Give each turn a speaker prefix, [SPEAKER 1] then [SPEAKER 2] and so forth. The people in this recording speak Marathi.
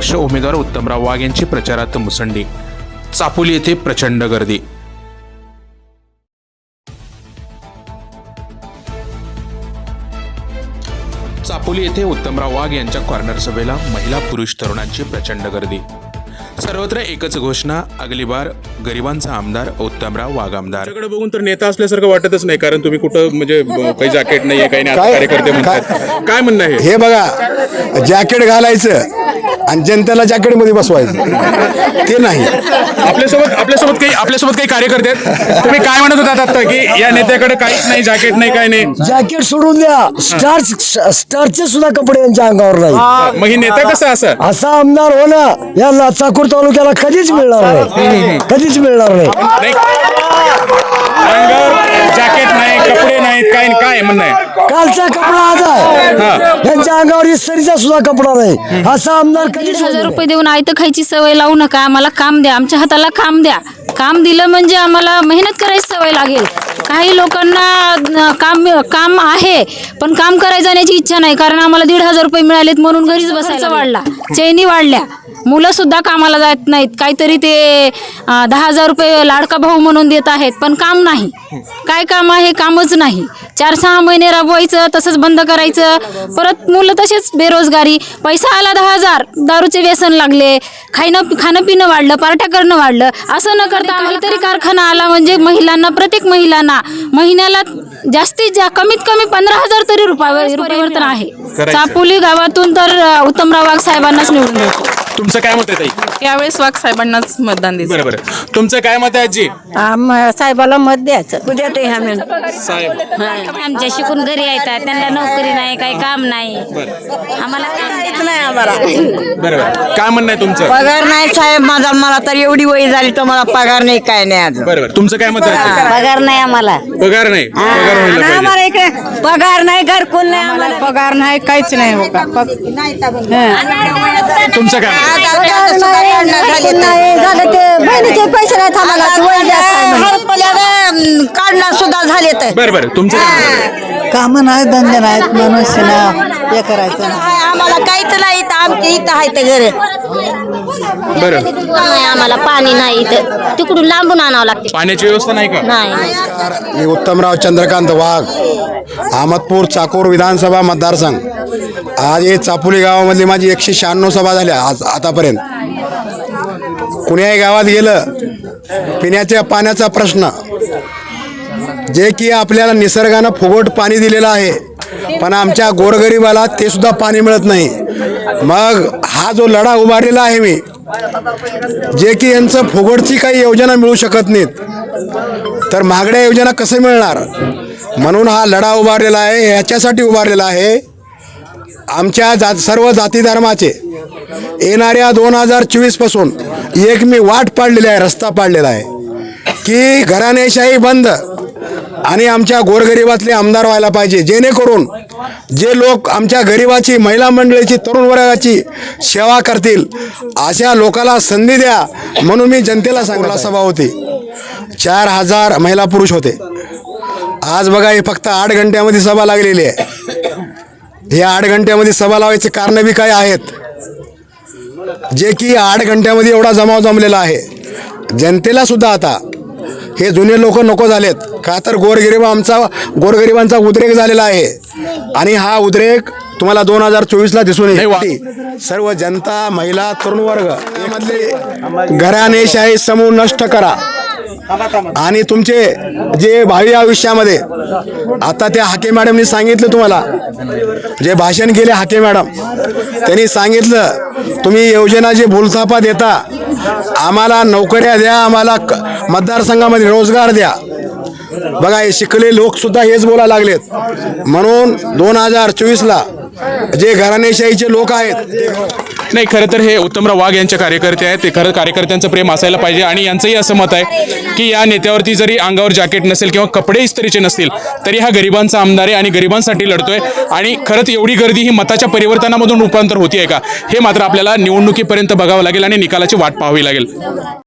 [SPEAKER 1] अपक्ष उमेदवार उत्तमराव वाघ यांची प्रचारार्थ मुसंडी। चापोली येथे प्रचंड गर्दी। चापोली येथे उत्तमराव वाघ यांच्या कॉर्नर सभेला महिला पुरुष तरुणांची प्रचंड गर्दी। सर्वत्र एकच घोषणा, अगली बार गरिबांचा आमदार उत्तमराव वाघ आमदार।
[SPEAKER 2] तुमच्याकडे बघून तर नेता असल्यासारखं वाटतच नाही, कारण तुम्ही कुठं म्हणजे काही जॅकेट नाहीये, काही नाही, कार्यकर्ते म्हणतात। काय म्हणणं आहे
[SPEAKER 3] हे बघा, जॅकेट घालायचं आणि जनतेला जॅकेट मध्ये बसवायचं ते नाही।
[SPEAKER 2] आपल्यासोबत काही कार्यकर्ते आहेत। तुम्ही काय म्हणत होतात आता की या नेत्याकडे काहीच नाही, जॅकेट नाही, काय नाही?
[SPEAKER 4] जॅकेट सोडून द्या, स्टारचे सुद्धा कपडे यांच्या अंगावर नाही।
[SPEAKER 2] मग ही नेता कसा
[SPEAKER 4] असा आमदार होणं या लाचाकूर तालुक्याला कधीच मिळणार नाही, कधीच मिळणार नाही।
[SPEAKER 2] अंगावर जॅकेट नाही, कपडे नाहीत, काय म्हणणं आहे?
[SPEAKER 4] कालचा कपडा आज आहे, यांच्या अंगावर इस्त्रीचा सुद्धा कपडा नाही। असा आमदार कधीच
[SPEAKER 5] 1000 रुपये देऊन आयतं खायची सवय लावू नका। आम्हाला काम द्या, आमच्या हाताला काम द्या। काम दिलं म्हणजे आम्हाला मेहनत करायची सवय लागेल। काही लोकांना काम आहे पण काम करायला जाण्याची इच्छा नाही, कारण आम्हाला 1500 रुपये मिळालेत म्हणून घरीच बसायचा वाढला, चैनी वाढल्या, मुलं सुद्धा कामाला जात नाहीत। काहीतरी ते 10,000 रुपये लाडका भाऊ म्हणून देत आहेत, पण काम नाही। काय काम आहे? कामच नाही। 4-6 महिने राबवायचं, तसंच बंद करायचं, परत मुलं तसेच बेरोजगारी। पैसा आला 10,000, दारूचे व्यसन लागले, खाणं पिणं वाढलं, पार्ट्या करणं वाढलं। असं न करता काहीतरी कारखाना आला म्हणजे महिलांना, प्रत्येक महिलांना महिन्याला जास्तीत कमीत कमी 15,000 तरी रुपये परिवर्तन आहे। चापोली गावातून तर उत्तमराव वाघ साहेबांनाच निवडून द्यायचं।
[SPEAKER 2] तुमचं काय मत आहे ताई?
[SPEAKER 6] यावेळेस वाघ साहेबांनाच मतदान द्यायचं।
[SPEAKER 2] बरोबर, तुमचं काय मत आहे आजी?
[SPEAKER 6] साहेबाला मत द्यायचं।
[SPEAKER 2] साहेब
[SPEAKER 5] आमच्या शिकून घरी येतात, त्यांना नोकरी नाही, काही काम नाही, आम्हाला काहीच नाही। आम्हाला
[SPEAKER 2] बरोबर, काय म्हणणं आहे तुमचं?
[SPEAKER 6] पगार नाही साहेब माझा, मला तर एवढी वय झाली तर मला पगार नाही, काय नाही अजून।
[SPEAKER 2] बरोबर, तुमचं काय मत आहे?
[SPEAKER 5] पगार नाही आम्हाला,
[SPEAKER 2] पगार नाही, पगार व्हायला पाहिजे।
[SPEAKER 6] आम्हाला इकडे पगार नाही, घरकुल नाही, आम्हाला पगार नाही, काहीच नाही हो का।
[SPEAKER 2] तुमचं काय?
[SPEAKER 6] झालं ते बहिणीचे पैसे नाही आम्हाला, काढणार सुद्धा झाले तर।
[SPEAKER 2] बरोबर, तुमचं काय?
[SPEAKER 6] काम नाही, धंदे नाहीत, मनुष्य हे करायचं आम्हाला काहीच नाही। आमच्या इथं आहे ते घर,
[SPEAKER 2] बरं,
[SPEAKER 5] आम्हाला पाणी नाही, इथं तिकडून लांबून आणावं लागते।
[SPEAKER 2] पाण्याची व्यवस्था नाही का?
[SPEAKER 5] नाही।
[SPEAKER 3] मी उत्तमराव चंद्रकांत वाघ, अहमदपूर चाकूर विधानसभा मतदारसंघ। आज हे चापोली गावामधली माझी 196 सभा झाल्या आज आतापर्यंत। कुण्याही गावात गेलं, पिण्याच्या पाण्याचा प्रश्न, जे की आपल्याला निसर्गानं फुकट पाणी दिलेलं आहे, पण आमच्या गोरगरिबाला ते सुद्धा पाणी मिळत नाही। मग हा जो लढा उभारलेला आहे मी, जे की यांचं फुकटची काही योजना मिळू शकत नाहीत, तर महागड्या योजना कसे मिळणार? म्हणून हा लढा उभारलेला आहे। ह्याच्यासाठी उभारलेला आहे, आमच्या सर्व जाती धर्माचे येणाऱ्या 2024 पासून एक मी वाट पाडलेली आहे, रस्ता पाडलेला आहे की घराणेशाही बंद आणि आमच्या गोरगरिबातले आमदार व्हायला पाहिजे, जेणेकरून जे लोक आमच्या गरिबाची, महिला मंडळीची, तरुण वर्गाची सेवा करतील अशा लोकांना संधी द्या। म्हणून मी जनतेला सांगला सभा होती, 4000 महिला पुरुष होते। आज बघा, हे फक्त 8 घंट्यामध्ये सभा लागलेली आहे। हे 8 घंट्यामध्ये सभा लावायचे कारण बी काय आहेत, जे की 8 घंट्यामध्ये एवढा जमाव जमलेला आहे। जनतेला सुद्धा आता हे जुने लोक नको झालेत का, तर गोरगरिबांचा उद्रेक झालेला आहे आणि हा उद्रेक तुम्हाला 2024ला दिसून येईल। सर्व जनता, महिला, तरुण वर्ग यामधले घराणेशाही समूह नष्ट करा आणि तुमचे जे भावी आयुष्यामध्ये, आता त्या हाके मॅडमनी सांगितलं, तुम्हाला जे भाषण केले हाके मॅडम, त्यांनी सांगितलं तुम्ही योजना जे भूलथापा देता, आम्हाला नोकऱ्या द्या, आम्हाला मतदारसंघामध्ये रोजगार द्या। बघा, हे शिकले लोक सुद्धा हेच बोलायला लागलेत। म्हणून 2024ला जे घराणेशाहीचे लोक आहेत,
[SPEAKER 2] नाही, खरं तर हे उत्तमराव वाघ यांचे कार्यकर्ते आहेत, ते खरं कार्यकर्त्यांचं प्रेम असायला पाहिजे। आणि यांचंही असं मत आहे की या नेत्यावरती जरी अंगावर जॅकेट नसेल किंवा कपडे इस्त्रीचे नसतील, तरी हा गरिबांचा आमदार आहे आणि गरिबांसाठी लढतोय। आणि खरंच एवढी गर्दी ही मताच्या परिवर्तनामधून रूपांतर होतीये का, हे मात्र आपल्याला निवडणुकीपर्यंत बघावं लागेल आणि निकालाची वाट पाहावी लागेल।